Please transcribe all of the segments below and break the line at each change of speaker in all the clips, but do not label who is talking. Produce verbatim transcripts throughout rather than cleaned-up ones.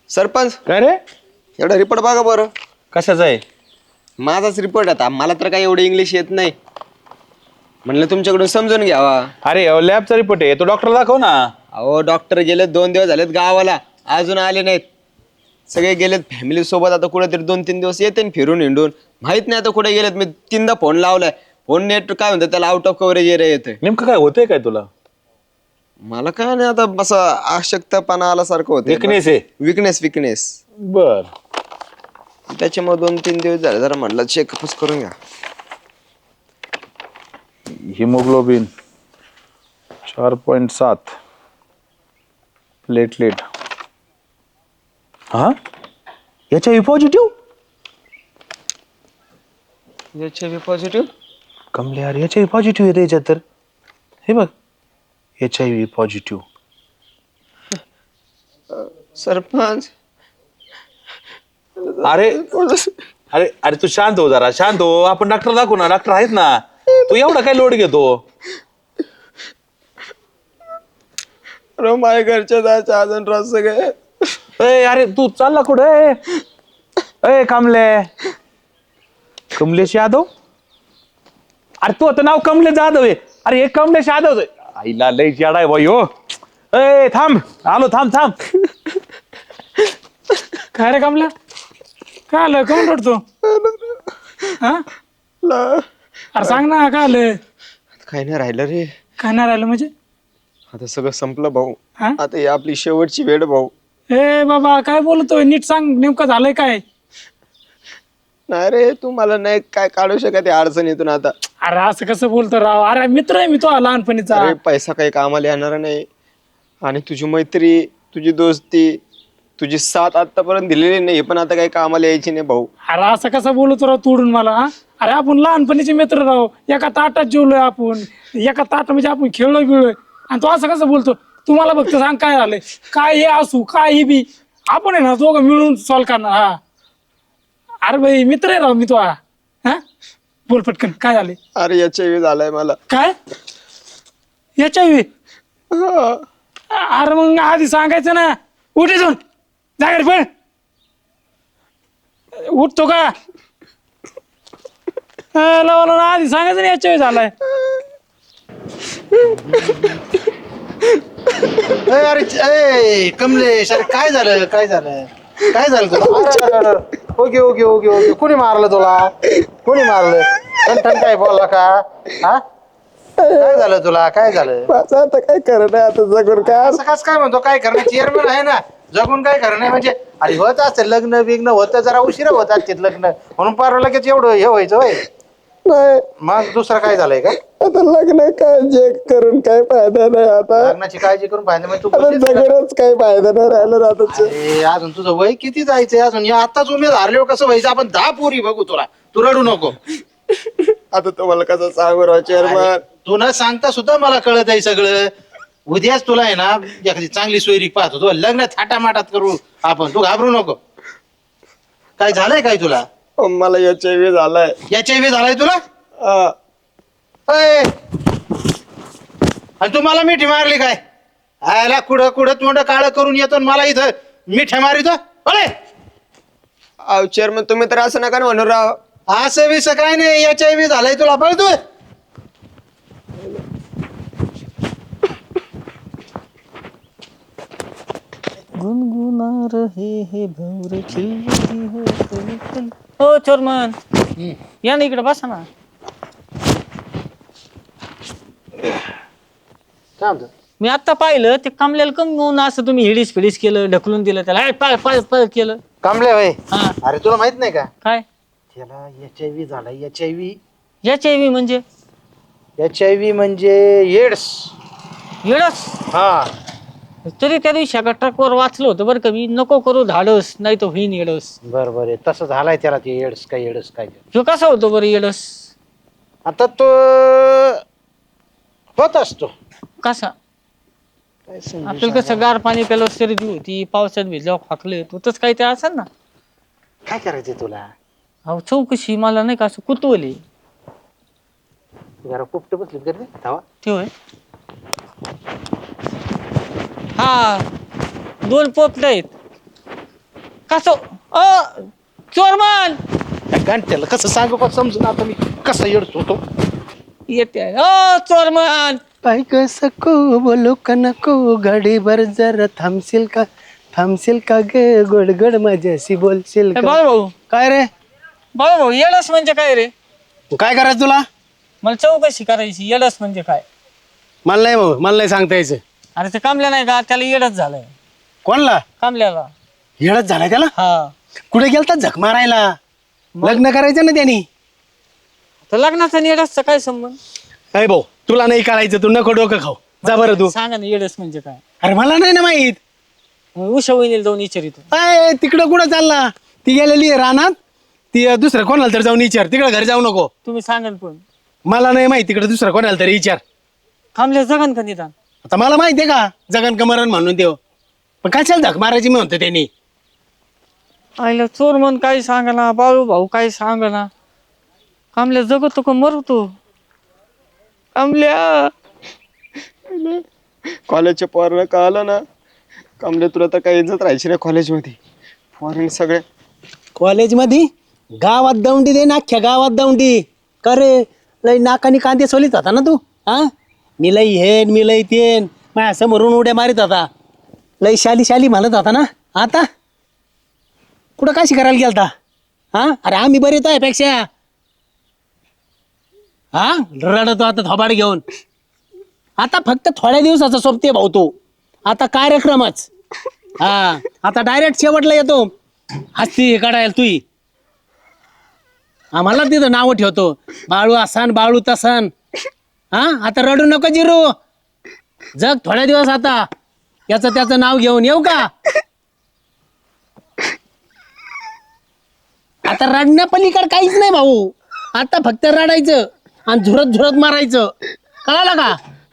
सरपंच
काय रे?
एवढा रिपोर्ट बघा बरं.
कशाचा आहे?
माझाच रिपोर्ट आता मला तर काही एवढं इंग्लिश येत नाही, म्हणलं तुमच्याकडून समजून घ्यावा.
अरे लॅबचा रिपोर्ट आहे, तो डॉक्टर दाखव ना.
अहो डॉक्टर गेले, दोन दिवस झालेत गावाला, अजून आले नाहीत. सगळे गेलेत फॅमिली सोबत. आता कुठेतरी दोन तीन दिवस येते न फिरून हिंडून, माहित नाही आता कुठे गेलेत. मी तीनदा फोन लावलाय, फोन नेट काय म्हणतात त्याला, आउट ऑफ कव्हरेज एरिया येतंय.
नेमकं काय होतंय काय तुला?
मला काय नाही, आता बस अशक्तपणा आल्यासारखं होतं.
विकनेस आहे?
विकनेस विकनेस
बर.
त्याच्यामुळे दोन तीन दिवस झाले, जरा म्हटलं चेकअपच करून घ्या.
हिमोग्लोबिन चार पॉइंट सात, प्लेटलेट हा H I V positive.
H I V positive.
कमले यार, एच आय व्ही पॉझिटिव्ह येते याच्यात तर. हे बघ, H I V positive.
Sarpanch
अरे अरे अरे तू शांत हो जरा, शांत हो. आपण डॉक्टर दाखवू ना, डॉक्टर आहेत ना. तू एवढा काय लोड घेतो?
अरे माझ्या घरच्या जायचं अजून रस सगळे.
ए अरे तू चालला कुठे? ए कमले, कमलेश यादव. अरे तू आता नाव कमलेश जाधव आहे. अरे हे कमलेश यादव आहे. आईला लय याडा आहे बाई हो. ए थांब, आलो, थांब थांब.
काय रे कमला, काय आलं? कोण रडतो? हा अरे सांग ना, काय आलं?
काही नाही राहिलं रे.
काय नाही राहिलं म्हणजे?
आता सगळं संपलं भाऊ.
हा?
आता ही आपली शेवटची वेळ भाऊ.
ए बाबा, काय बोलतोय? नीट सांग, नेमकं झालंय काय?
नाही रे, तू मला नाही काय काढू शकत या अडचणीतून आता.
अरे असं कसं बोलतो राव? अरे मित्र आहे मी तो लहानपणीचा.
अरे पैसा काही कामाला येणार नाही, आणि तुझी मैत्री, तुझी दोस्ती, तुझी साथ आतापर्यंत दिलेली नाही, पण आता काही कामाला यायची नाही भाऊ.
अरे असं कसं बोलतो राव तोडून मला? हा? अरे आपण लहानपणीचे मित्र राव, एका ताटात जेवलोय आपण, एका ताटात म्हणजे आपण खेळलोय बिळलोय, आणि तो असं कसं बोलतो? तुम्हाला फक्त सांग काय झालंय, काय हे असू काय हे बी, आपण आहे ना दोघं मिळून सॉल्व करणार. हा अरे भाई, मित्र आहे राव मी तो. हा बोल पटकन, काय झाले?
अरे एच आय व्ही झालाय मला.
काय एच आय व्ही? अरे मग आधी सांगायचं ना. उठे जाऊन जागर पण उठतो का? लावला आधी सांगायचं ना एच आय व्ही झालाय.
अरे ए कमलेश, अरे काय झालं? काय झालं? काय झालं तुला? Okay okay okay okay. कोणी मारलं तुला? कोणी मारलं? ठण काय बोलला का? हा काय झालं तुला? काय झालं?
माझं आता काय करणार, आता जगून काय.
असं कस काय म्हणतो? काय करणं? चेअरमन आहे ना, जगून काय करणं आहे म्हणजे? अरे होत असते लग्न बिग्न, होतं जरा उशिरा होत असते लग्न, म्हणून पार लगेच एवढं हे व्हायचं होय.
नाही,
मग दुसरं काय झालंय का?
आता लग्न काय जे करून काय फायदा नाही आता.
लग्नाची काळजी करून पाहिजे म्हणजे तू
आता
बोललीस का?
जगूनच काही फायदा नाही राहिला आता.
अरे अजून तुझं वय किती जायचंय? अजून या आताच उमेद हारले कसं व्हायचं? आपण दहा पोरी बघू तुला, तू रडू नको.
आता तुम्हाला कसं सांगू राव चेअरमन.
तू न सांगता सुद्धा मला कळत आहे सगळं. उद्याच तुला आहे ना एखादी चांगली सोयरी पाहतो, तो लग्न थाटामाटात करू आपण, तू घाबरू नको. काय झालंय काय तुला?
मला एच आय व्ही झालाय.
एच आय व्ही झालाय तुला?
हा.
अय! आणि तू मला मिठी मारली काय? आयला कुठं कुठं तोंड काळं करून येतो आणि मला इथं मिठ्या मारितो? अरे
अहो चेअरमन, तुम्ही तर असं नका ना म्हणू राव.
असं विस काय नाही, एच आय व्ही झालाय तुला, पळतोय.
गुनगुना रहे हे भंवरे खिल रही हो कली कली. हो चोरमन, या ना इकडे बसा ना.
काय म्हणतो?
मी आता पाहिलं ते कमल्याला कम म्हणून असं तुम्ही हिडीस फिडीस केलं, ढकलून दिलं त्याला, "ए, पळ पळ पळ" केलं.
कांबळे भाई,
हा
अरे तुला माहित नाही का
काय
त्याला एच आय व्ही झालाय? H I V
H I V म्हणजे?
एच आय व्ही म्हणजे एड्स.
येडस.
हा
तरी त्या दिवशी एका ट्रकवर वाचलं होतं बरं का मी, नको करू धाडस नाही तो होईन येडस.
बर बर, तसं झालाय त्याला ते एड्स काय एड्स काय.
तो कसा होतो बरं येडस?
आता तो होत असतो.
कसा?
काय समजू
आपल्याला कसं गार पाणी प्यायला सर्दी होती, पावसात भिजल्यावर फाकले, तोच काही ते असेल ना.
काय करायचंय तुला?
अहो चौकशी मला नाही का असं कुतवली.
जरा पोपट बसलीत कर धावा.
ते होय. हा दोन पोपट आहेत. कसं अ चोरमन
घंट्याला कसं सांगू का समजून आता मी कसं येडतो तो
येते अ चोरमन
पाय सको बोलो का नको घडीभर जरा थांबशील का थांबशील का ग गोड गोड माझ्याशी बोलशील का
बाळू भाऊ
काय रे
बाळू भाऊ येडस म्हणजे काय रे
काय करायचं तुला
मला चौकशी करायची येडस म्हणजे काय
मला नाही भाऊ मला नाही सांगता यायचं
अरे ते कामल्या नाही का त्याला येडच झालंय
कोणला
कामल्याला
येडच झालाय त्याला
हा
कुठे गेलता झक मारायला लग्न करायचं ना त्यांनी
तर लग्नाचा येडसचा काय संबंध
अय भाऊ तुला नाही करायचं तू नको डोकं खाऊ जा बरं तू
सांगा ना येडस म्हणजे काय
अरे मला नाही ना माहित
उषा वहिनीला जाऊन विचारितो
अय तिकडं कुठं चालला ती गेलेली आहे रानात ती अं, दुसरं कोणाला तरी जाऊन विचार तिकडं घरी जाऊ नको
तुम्ही सांगाल पण
मला नाही माहित तिकडं दुसरं कोणाला तरी विचार
कामल्या जगन का निदान
आता मला माहितीये का जगन कमरण म्हणून देव पण कशाला धक मारायची मी म्हणतो त्यांनी
आईला चोर म्हण काय सांगा बाळू भाऊ काय सांगा कामल्या जगतो का मरतो कामल्या
कॉलेजच्या पोरानं का आलं ना कमले तुला तर काही इज्जत राहायची नाही कॉलेजमध्ये फॉरेन सगळे
कॉलेजमध्ये गावात दौंडी दे ना अख्ख्या गावात दौंडी का रे लय नाकानी कांदे सोलीत होता ना तू हा मी लई हेन मी लई तेन माझ्या समोरून उड्या मारित होता लई शाली शाली म्हणत होता ना आता कुठं काशी करायला गेलता हा अरे आम्ही बरे आहे पेक्षा हा रडतो आता थोबाड घेऊन आता फक्त थोड्या दिवसाचा सोबते भाऊ तो आता कार्यक्रमच हा आता डायरेक्ट शेवटला येतो हस्ती काढायला तुई आम्हाला तिथं नाव ठेवतो बाळू असान बाळू तसान हा आता रडू नको जिरू जग थोड्या दिवस आता याचं त्याचं नाव घेऊन येऊ का आता रडण्या पलीकडे काहीच नाही भाऊ आता फक्त रडायचं आणि झुरत झुरत मारायचं कळालं का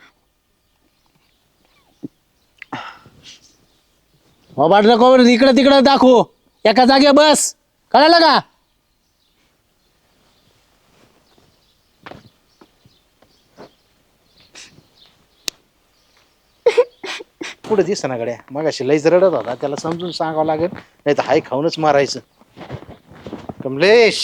हो बाटलं कोवर इकडं तिकडं दाखवू एका जागे बस कळालं का
पुढे दिस ना गड्या मग अशी लईच रडत होता त्याला समजून सांगावं लागेल नाही तर हाय खाऊनच मारायचं कमलेश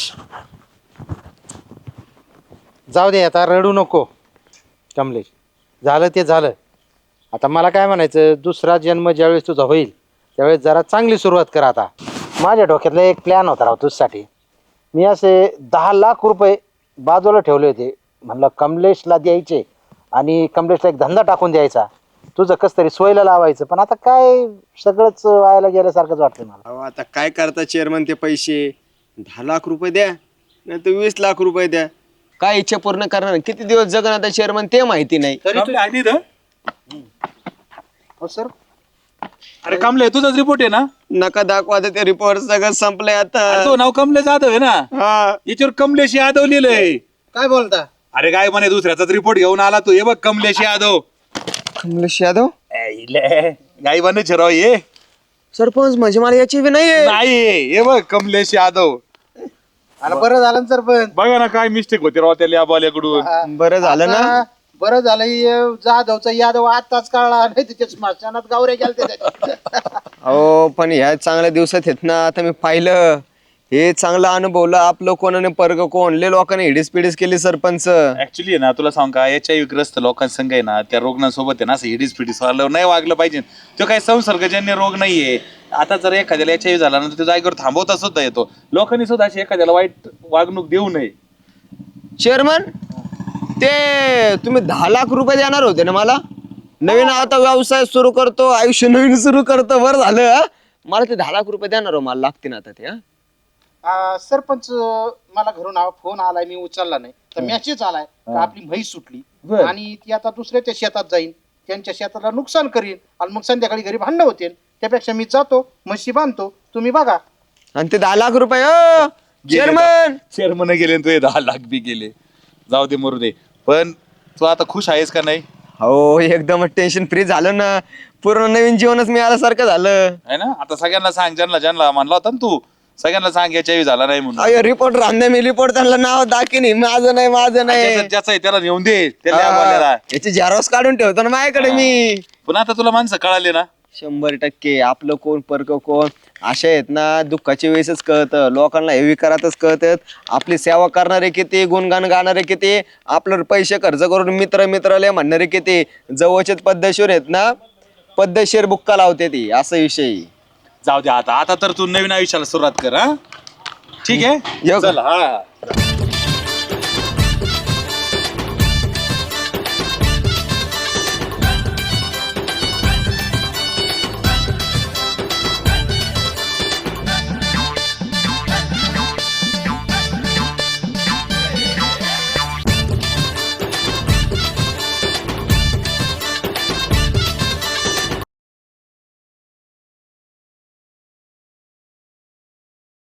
जाऊ दे आता रडू नको कमलेश झालं ते झालं आता मला काय म्हणायचं दुसरा जन्म ज्यावेळेस तुझा होईल त्यावेळेस जरा चांगली सुरुवात कर आता माझ्या डोक्यातला एक प्लॅन होता राव तुझ्यासाठी मी असे दहा लाख रुपये बाजूला ठेवले होते म्हणलं कमलेशला द्यायचे आणि कमलेशला एक धंदा टाकून द्यायचा तुझं कस तरी सोयला लावायचं पण आता काय सगळंच व्हायला गेल्यासारखंच वाटतं मला
अहो आता काय करता चेअरमन ते पैसे दहा लाख रुपये द्या नाही तर वीस लाख रुपये द्या काय इच्छा पूर्ण करणार किती दिवस जगणार आता चेअरमन ते माहिती नाही
हो सर
अरे कमले तुझाच रिपोर्ट आहे ना
नका दाखवा आता ते रिपोर्ट सगळं संपलंय
अरे
आता
तो नाव कमले जाधव आहे ना
हा
याच्यावर कमलेश यादव लिहिलंय
काय बोलता
अरे काय म्हणे दुसऱ्याचाच रिपोर्ट घेऊन आला तू हे बघ कमलेश यादव
कमलेश यादव
गाई बनायचे राव ये
सरपंच म्हणजे मला याची बी नाहीये
नाही हे बघ कमलेश यादव
आणि बरं झालं ना सर पण
बघा ना काय मिस्टेक होती राव त्या लियाबाल्याकडून
बरं झालं ना
आता बरं झालं हे जाधवचा यादव आताच कळला नाही त्याच्या स्मशानात गावरे गेलते त्याच्या
अहो पण ह्या चांगल्या दिवसात आहेत ना आता मी पाहिलं हे चांगलं अनुभवलं आपलं कोणाने पर्ग कोण लय लोकांनी हिडीस पिडीस केली सरपंच
ऍक्च्युली ना तुला सांग का एच आय व्ही ग्रस्त लोकांसंग आहे ना त्या रुग्णांसोबत आहे ना असं हिडीस पिडीस वागलं नाही वागलं पाहिजे तो काही संसर्गजन्य रोग नाहीये आता जर एखाद्याला एच आय व्ही झाला ना तो जागेवर थांबवता सुद्धा येतो लोकांनी सुद्धा अशी एखाद्याला वाईट वागणूक देऊ नये
चेअरमन ते तुम्ही दहा लाख रुपये देणार होते ना मला नवीन आता व्यवसाय सुरू करतो आयुष्य नवीन सुरू करतो बरं झालं हा? मला ते दहा लाख रुपये देणार हो मला लागतील आता ते हा
आ, सरपंच मला घरून आ- फोन आलाय मी उचलला नाही तर मेसेज आलाय का आपली म्हैस सुटली आणि ती आता दुसऱ्याच्या शेतात जाईल त्यांच्या शेताला नुकसान करीन आणि मग संध्याकाळी घरी भांडणं होते त्यापेक्षा मी जातो म्हशी बांधतो तुम्ही बघा
आणि ते दहा लाख रुपये हो चेअरमन
चेअरमन गेले आणि तुझे दहा लाख बी गेले जाऊ दे मरू दे पण तू आता खुश आहेस का नाही
हो एकदम टेन्शन फ्री झालं ना पूर्ण नवीन जीवनच मिळाल्यासारखं झालं
है ना आता सगळ्यांना सांग ज्यांना ज्यांना म्हणला होता ना तू सगळ्यांना सांग एच आय व्ही झाला नाही म्हणून
अयो रिपोर्ट रांधे मी रिपोर्ट त्यांना नाव दाखिनी माझं नाही माझं नाही
ज्याचं ज्याचं आहे त्याला नेऊन दे त्या
हा,
लियाबाल्याला.
याची झेरॉक्स काढून ठेवतो ना माझ्याकडे मी
पण आता तुला माणसं कळाले ना
शंभर टक्के आपलं कोण परक कोण अशा आहेत ना दुःखाच्या वेळेसच कळतं, लोकांना हे विकारातच कळतात. आपली सेवा करणारे किती, गुणगान गाणारे किती, आपलं पैसे खर्च करून मित्र मित्राला म्हणणारे किती, जवळचेच पद्धतशीर आहेत ना पद्धतशीर बुक्का लावते ती, असा विषय.
जाऊ दे आता आता तर तू नवीन आयुष्याला सुरुवात कर. हा ठीक आहे
येऊ का?
चल हा